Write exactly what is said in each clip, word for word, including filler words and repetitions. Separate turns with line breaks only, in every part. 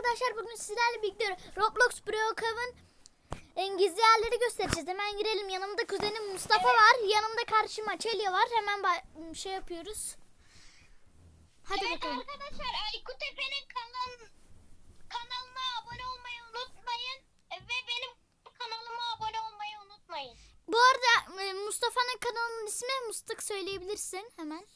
arkadaşlar, bugün sizlerle birlikte Roblox Brookhaven gizli yerleri göstereceğiz. Hemen girelim. Yanımda kuzenim Mustafa var. Yanımda karşıma Çelya var. Hemen şey yapıyoruz. Hadi
evet,
bakalım.
Arkadaşlar Aykut Efe'nin kanal, kanalına abone olmayı unutmayın. Ve benim kanalıma abone olmayı unutmayın.
Bu arada Mustafa'nın kanalının ismi Mustak, söyleyebilirsin hemen.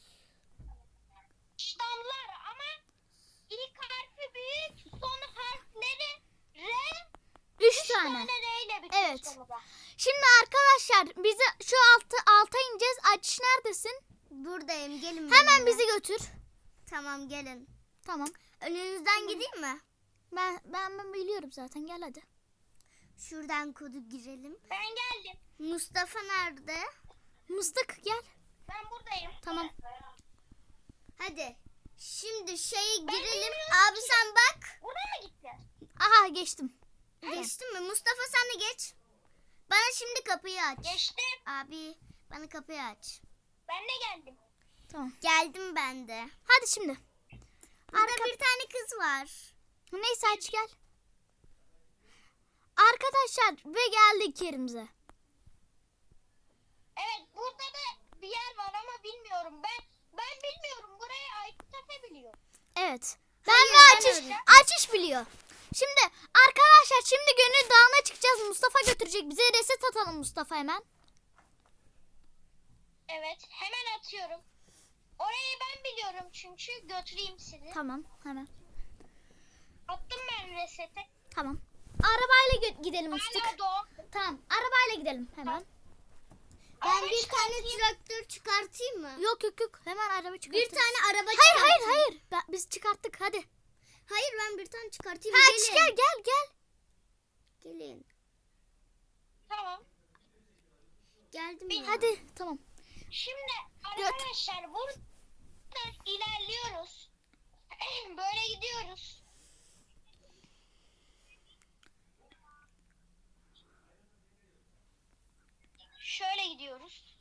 Damlar ama ilk harfi büyük, son harfleri R.
Üç tane.
tane R ile bitiyor.
Evet.
sonunda.
Şimdi arkadaşlar bizi şu altı alta ineceğiz. Açış neredesin?
Buradayım, gelin.
Hemen
benimle.
bizi götür.
Tamam, gelin.
Tamam.
Önünüzden gideyim mi?
Ben, ben ben biliyorum zaten. Gel hadi.
Şuradan kodu girelim.
Ben geldim.
Mustafa nerede?
Mıstık gel.
Ben buradayım.
Tamam.
Hadi. Şimdi şeye girelim.
bilmiyorum
Abi
ki.
sen bak.
Buraya mı gitti?
Aha geçtim.
Geçtin mi? Mustafa sen de geç. Bana şimdi kapıyı aç.
Geçtim.
Abi bana kapıyı aç.
Ben de geldim.
Tamam.
Geldim ben de.
Hadi şimdi.
Burada
Arka...
bir tane kız var.
Neyse aç gel. Arkadaşlar ve geldik yerimize.
Evet, burada da bir yer var ama bilmiyorum. Ben ben bilmiyorum. Burayı Aykut Efe biliyor.
Evet. Ben
Hayır,
ve
ben
açış,
öyle.
açış biliyor. Şimdi arkadaşlar şimdi Gönül Dağı'na çıkacağız. Mustafa götürecek. Bize reset atalım Mustafa hemen.
Evet, hemen atıyorum. Orayı ben biliyorum çünkü götüreyim sizi.
Tamam hemen.
Attım ben resete.
Tamam. Arabayla gö- gidelim Mustafa.
Hala doğum.
Tamam. Arabayla gidelim hemen.
Ben
Araba
bir tane
çıkartayım.
traktör çıkartayım mı?
Yok yok yok. Hemen araba çıkartırız.
Bir tane araba
Hayır
çıkartayım.
hayır hayır. Ben, biz çıkarttık hadi.
Hayır, ben bir tane çıkartayım.
Ha,
Gelin.
gel gel gel.
Gelin.
Tamam.
Geldim
Bir-
ya.
Hadi tamam.
Şimdi arkadaşlar buradan ilerliyoruz. Böyle gidiyoruz. Şöyle gidiyoruz.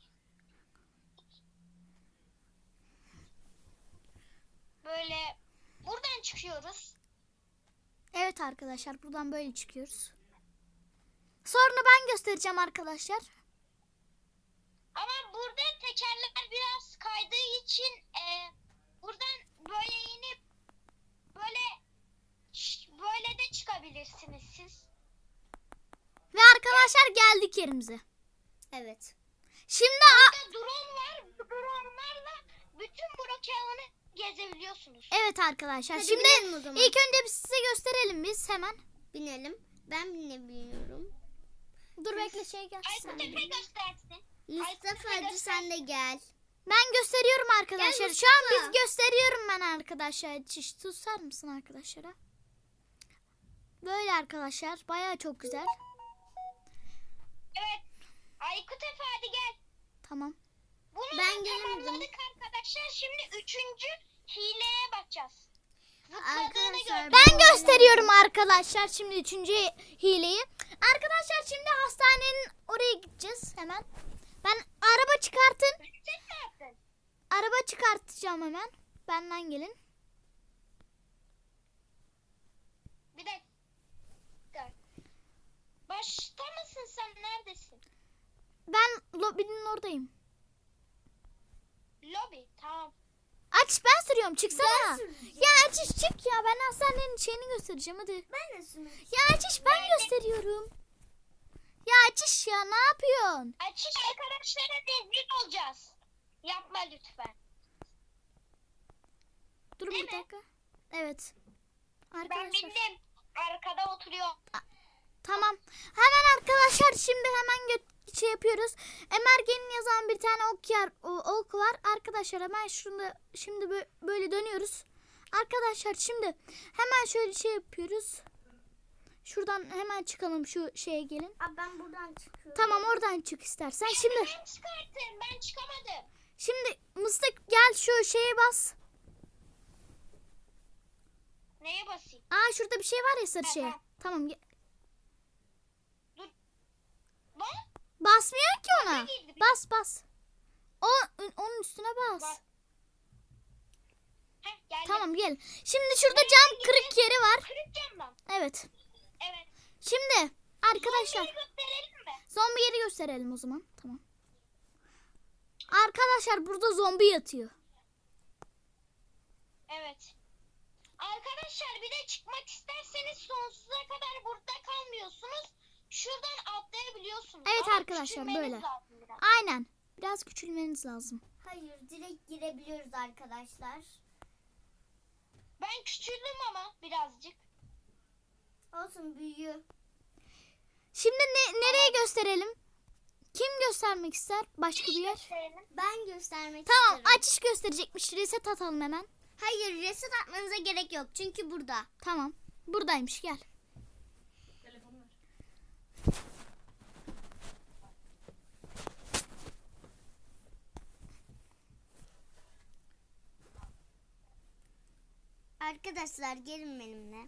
Böyle buradan çıkıyoruz.
Evet arkadaşlar buradan böyle çıkıyoruz. Sonra ben göstereceğim arkadaşlar.
Ama burada tekerler biraz kaydığı için e, buradan böyle inip böyle böyle de çıkabilirsiniz siz.
Ve arkadaşlar geldik yerimize.
Evet.
Şimdi a-
Burada drone var. Bu dronelarla bütün Brookhaven'ı gezebiliyorsunuz.
evet arkadaşlar.
Hadi
Şimdi
binelim o zaman.
ilk önce biz size gösterelim biz hemen.
Binelim. Ben binebiliyorum.
Dur bekle şey gelsin.
Aykut Efe göstersin.
Mustafa
Ay,
hadi sen de gel.
Ben gösteriyorum arkadaşlar.
Gel
Şu an
Mustafa.
biz gösteriyorum ben arkadaşlar. Çiş tutar mısın arkadaşlara? Böyle arkadaşlar. Bayağı çok güzel.
Evet. Aykut Efe hadi gel.
Tamam.
Bunu
Ben
da
gelemedim.
tamamladık arkadaşlar. Şimdi üçüncü hileye bakacağız. Zıpladığını
Arkadaşlar,
gördüm.
Ben gösteriyorum arkadaşlar şimdi üçüncü hileyi. Arkadaşlar şimdi hastanenin oraya gideceğiz hemen. Ben araba çıkartın.
Reset mi yaptın?
Araba çıkartacağım hemen. Benden gelin.
Bir dakika. Başta mısın sen? Neredesin?
Ben lobinin oradayım.
Lobi. Tamam.
Aç ben sürüyorum çıksana.
Ben süreceğim.
Ya Açış çık ya, ben hastanenin şeyini göstereceğim hadi.
Ben de sürmek.
Ya Açış ben gösteriyorum. Ya Açış ya ne yapıyorsun?
Açış arkadaşlara destek olacağız. Yapma lütfen.
Dur
Değil
bir
mi?
dakika. Evet.
Ben
Arkadaşlar.
bildim. Arkada oturuyor.
Tamam. Hemen arkadaşlar şimdi hemen gö- şey yapıyoruz. Emergen'in yazan bir tane ok, yer, o, ok var. Arkadaşlar hemen şunu şimdi bö- böyle dönüyoruz. Arkadaşlar şimdi hemen şöyle şey yapıyoruz. Şuradan hemen çıkalım, şu şeye gelin.
Abi ben buradan çıkıyorum.
Tamam oradan çık istersen. Şimdi
Ben çıkarttım. Ben çıkamadım.
şimdi Mıstık gel şu şeye bas.
Neye basayım?
Aa şurada bir şey var ya, sarı
Ha,
şey.
ha.
Tamam. ge-
Dur. Lan.
Basmıyor ki ona.
Bana girdi bir
Bas bas. O onun üstüne bas.
Bas. Heh, geldim.
Tamam gel. Şimdi şurada cam kırık yeri var.
Kırık cam var.
Evet.
Evet.
Şimdi arkadaşlar
Zombiyi gösterelim mi?
zombi yeri gösterelim o zaman. Tamam. Arkadaşlar burada zombi yatıyor.
Evet. Arkadaşlar bir de çıkmak isterseniz sonsuza kadar burada kalmıyorsunuz. Şuradan atlayabiliyorsunuz.
Evet
Ama
arkadaşlar,
küçülmeniz
böyle.
lazım biraz.
Aynen. Biraz küçülmeniz lazım.
Hayır, direkt girebiliyoruz arkadaşlar.
Ben küçüldüm ama birazcık.
Olsun, büyüyor.
Şimdi ne, nereye gösterelim? Kim göstermek ister? Başka bir yer.
Gösterelim.
Ben göstermek
Tamam,
isterim.
açış gösterecekmiş. Reset atalım hemen.
Hayır, reset atmanıza gerek yok. Çünkü burada.
Tamam. Buradaymış, gel.
Arkadaşlar gelin benimle.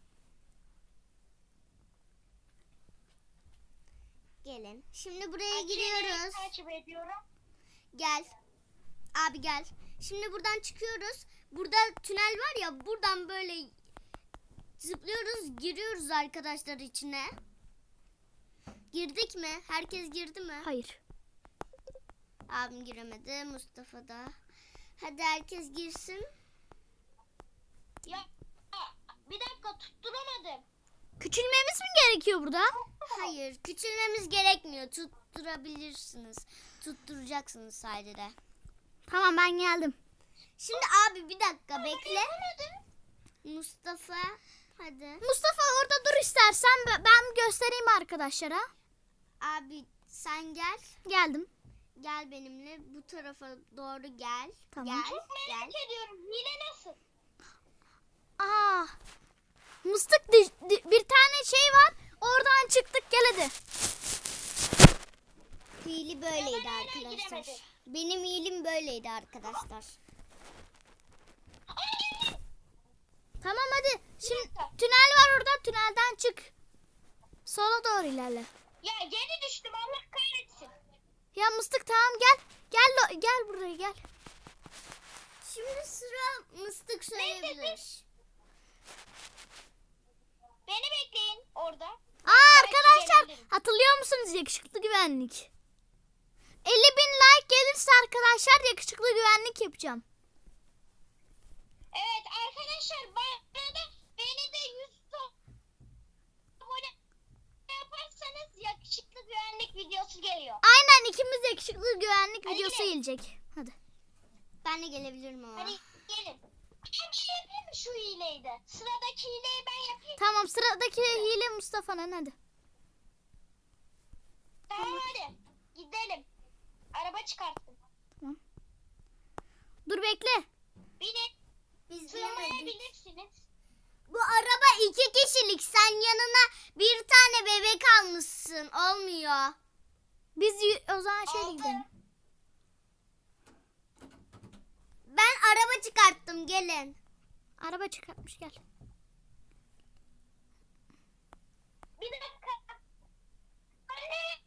Gelin. Şimdi buraya giriyoruz.
Takip ediyorum.
Gel. Abi gel. Şimdi buradan çıkıyoruz. Burada tünel var ya, buradan böyle zıplıyoruz, giriyoruz arkadaşlar içine. Girdik mi? Herkes girdi mi?
Hayır.
Abim giremedi, Mustafa da. Hadi herkes girsin.
Ya bir dakika tutturamadım.
Küçülmemiz mi gerekiyor burada?
Hayır, küçülmemiz gerekmiyor. Tutturabilirsiniz. Tutturacaksınız sadece.
Tamam, ben geldim.
Şimdi abi bir dakika bekle. Mustafa hadi.
Mustafa orada dur istersen, b- ben göstereyim arkadaşlara.
Abi sen gel.
Geldim.
Gel benimle bu tarafa doğru gel.
Tamam.
Gel. Gel.
Merak ediyorum. Hile nasıl?
Aa. Mıstık di- di- bir tane şey var. Oradan çıktık, gel hadi.
Hili böyleydi
hala
arkadaşlar.
giremedim.
Benim hilim böyleydi arkadaşlar.
Tamam hadi. Şimdi
dakika.
tünel var orada. Tünelden çık. Sola doğru ilerle.
Ya geri düştüm, Allah kahretsin.
Ya Mıstık tamam gel. Gel lo- gel buraya gel.
Şimdi sıra Mıstık söyleyebilir.
Beni bekleyin orada.
Aa
belki
arkadaşlar,
gelebilirim.
hatırlıyor musunuz yakışıklı güvenlik? elli bin like gelirse arkadaşlar yakışıklı güvenlik yapacağım.
Evet arkadaşlar, bana da beni de yüz abone yaparsanız yakışıklı güvenlik videosu geliyor.
Aynen, ikimiz yakışıklı güvenlik
Hadi
videosu
gidelim.
gelecek. Hadi.
Ben de gelebilirim ama.
Hadi gelin. Ben bir şey yapayım mı şu hileyi de? Sıradaki hileyi ben yapayım.
Tamam, sıradaki hile Mustafa'nın, hadi.
Tamam hadi gidelim. Araba çıkarttım.
Dur bekle.
Binin.
Biz bilemedik.
Sığmayabilirsiniz.
Bu araba iki kişilik. Sen yanına bir tane bebek almışsın. Olmuyor.
Biz y- o zaman şöyle
Altı.
gidelim.
Ben araba çıkarttım. Gelin.
Araba çıkartmış, gel.
Bir dakika. Anne.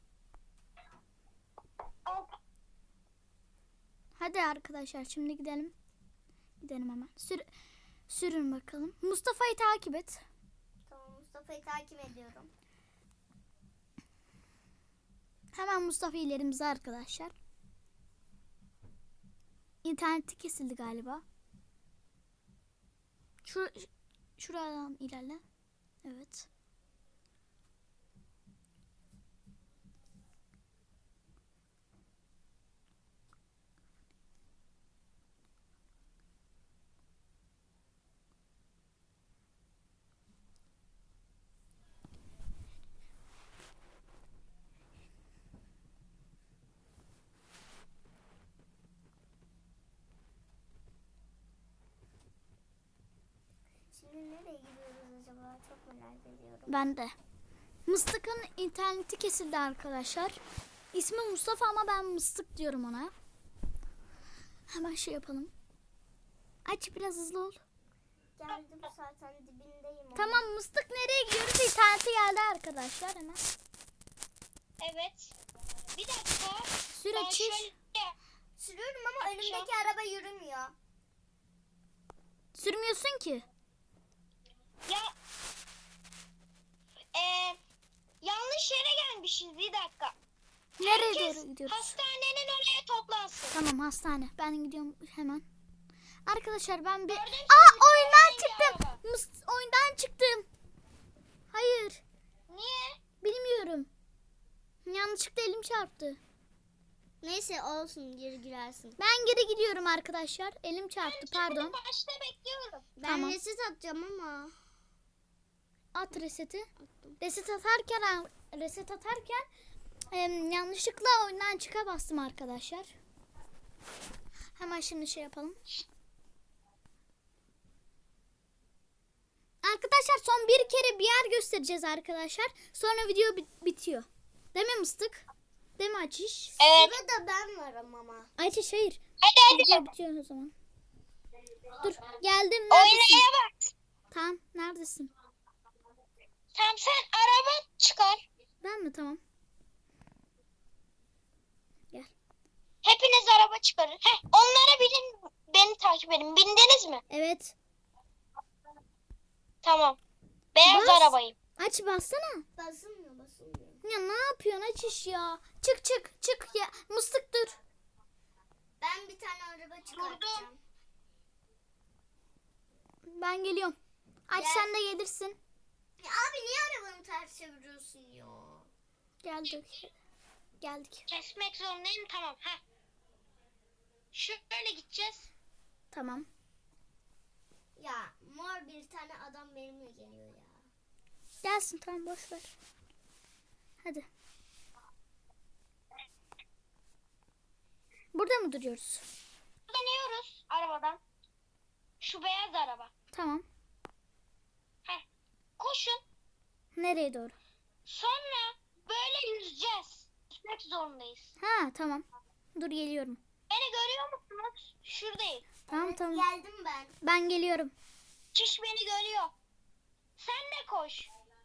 Altı.
Hadi arkadaşlar şimdi gidelim. Gidelim hemen. Sür sürün bakalım. Mustafa'yı takip et.
Tamam, Mustafa'yı takip ediyorum.
Hemen Mustafa ilerimize arkadaşlar. İnterneti kesildi galiba. Şur şuradan ilerle. Evet.
Şimdi nereye gidiyoruz acaba? Çok merak ediyorum.
Ben de. Mıstık'ın interneti kesildi arkadaşlar. İsmi Mustafa ama ben Mıstık diyorum ona. Hemen şey yapalım. Aç, biraz hızlı ol.
Geldim zaten, dibindeyim. ama.
Tamam Mıstık, nereye gidiyoruz? İnterneti geldi arkadaşlar hemen.
Evet. Bir dakika.
Sür
Ben
açış.
şöyle
Sürüyorum ama önümdeki araba yürümüyor.
Sürmüyorsun ki.
ya
Nereye
Herkes
doğru gidiyoruz?
hastanenin oraya toplansın.
Tamam, hastane. Ben gidiyorum hemen. Arkadaşlar ben bir...
Gördün mü?
Aa, oyundan
Rengi
çıktım.
araba.
Mıs- oyundan çıktım. Hayır.
Niye?
Bilmiyorum. Yanlışlıkla elim çarptı.
Neyse olsun, geri girersin.
Ben geri gidiyorum arkadaşlar. Elim çarptı, pardon.
Başta bekliyorum.
Ben
Tamam.
reset atacağım ama.
At reseti. Reset atarken reset atarken em, yanlışlıkla oyundan çıka bastım arkadaşlar. Hemen şimdi şey yapalım. Arkadaşlar son bir kere bir yer göstereceğiz arkadaşlar. Sonra video bit- bitiyor. Değil mi Mıstık? Değil mi Açış?
Evet.
Sırada ben varım ama.
Açış hayır.
Hadi
Video
hadi.
bitiyor o zaman. Dur geldim. Neredesin?
Oynaya bak.
Tamam, neredesin?
Tamam, sen araba çıkar.
Ben mi? Tamam. Gel.
Hepiniz araba çıkarın. Heh, onlara binin. Beni takip edin. Bindiniz mi?
Evet.
Tamam. Beyaz
Bas.
arabayım.
Aç bassana.
Basılmıyor, basılmıyor.
Ya ne yapıyorsun Açış ya? Çık çık çık ya. Mıstık dur.
Ben bir tane araba çıkartacağım.
Ben geliyorum. Aç
Gel.
sen de gelirsin.
Ya abi niye arabanı ters çeviriyorsun ya?
Geldik. Geldik.
Kesmek zorundayım. Tamam. Heh. Şöyle gideceğiz.
Tamam.
Ya mor bir tane adam benimle geliyor ya.
Gelsin, tamam, boş ver. Hadi. Burada mı duruyoruz?
Dönüyoruz arabadan. Şu beyaz araba.
Tamam.
Heh. Koşun.
Nereye doğru?
Sonra böyle yüzeceğiz. Yüzmek zorundayız.
Ha, tamam. Dur geliyorum.
Beni görüyor musunuz? Şuradayım.
Tamam
Evet,
tamam.
geldim ben.
Ben geliyorum.
Çiş beni görüyor. Sen de koş.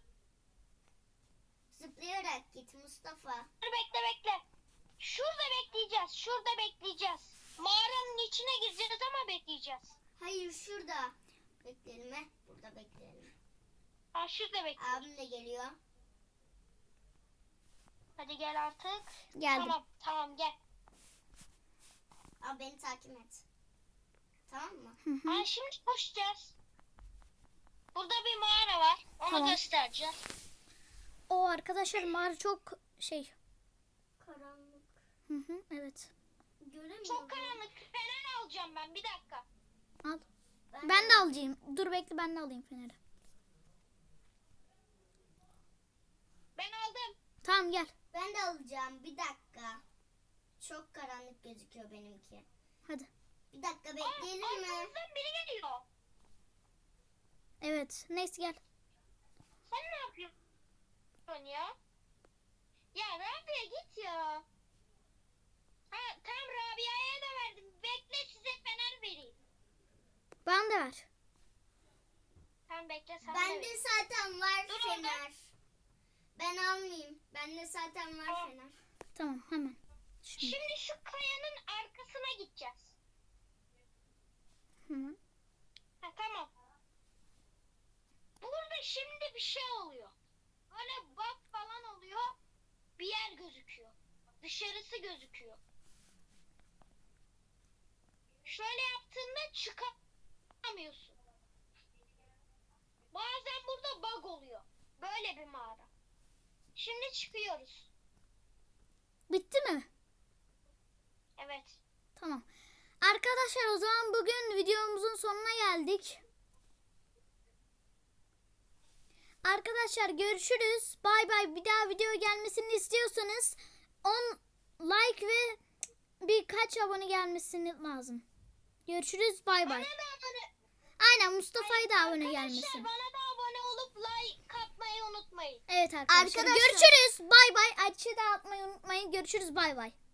Zıplayarak git Mustafa.
Dur, bekle bekle. Şurada bekleyeceğiz. Şurada bekleyeceğiz. Mağaranın içine gireceğiz ama bekleyeceğiz.
Hayır, şurada. Bekleyelim he. Burada bekleyelim.
Ha, şurada bekliyoruz.
Abim de geliyor.
Hadi gel artık.
Geldim.
Tamam tamam gel.
Abi beni takip et. Tamam mı?
Hı hı.
Ha, şimdi koşacağız. Burada bir mağara var. Onu
Tamam.
göstereceğim.
O arkadaşlar mağara çok şey.
Karanlık.
Hı hı, evet.
Göremiyorum.
Çok karanlık. Fener alacağım ben. Bir dakika.
Al. Ben de alacağım. Dur bekle, ben de alayım feneri.
Ben aldım.
Tamam gel.
Ben de alacağım. Bir dakika. Çok karanlık gözüküyor benimki.
Hadi.
Bir dakika
Aa,
bekleyelim mi?
arkamızdan biri geliyor.
Evet. Neyse gel.
Sen ne yapıyorsun ya? Ya Rabia git ya. Ha, tam Rabia'ya da verdim. Bekle, size fener vereyim.
Bana da ver.
Sen bekle, sen de
Bende
ver.
zaten var
Dur
fener. Ben almayayım. Bende zaten var
Tamam.
fener.
Tamam, hemen. Şimdi.
Şimdi şu kayanın arkasına gideceğiz.
Hı hı.
Ha, tamam. Burada şimdi bir şey oluyor. Böyle bak falan oluyor. Bir yer gözüküyor. Dışarısı gözüküyor. Şöyle yaptığında çıkamıyorsun. Bazen burada bug oluyor. Böyle bir mağara. Şimdi çıkıyoruz.
Bitti mi?
Evet.
Tamam. Arkadaşlar o zaman bugün videomuzun sonuna geldik. Arkadaşlar görüşürüz. Bay bay. Bir daha video gelmesini istiyorsanız on like ve birkaç abone gelmesini lazım. Görüşürüz. Bay bay.
Bana da abone,
Aynen, Mustafa'ya da abone
arkadaşlar
gelmesin.
bana da abone olup like atmayı unutmayın.
Evet arkadaşlar.
Arkadaşlar-
Görüşürüz. Bay bay. Açı da atmayı unutmayın. Görüşürüz. Bay bay.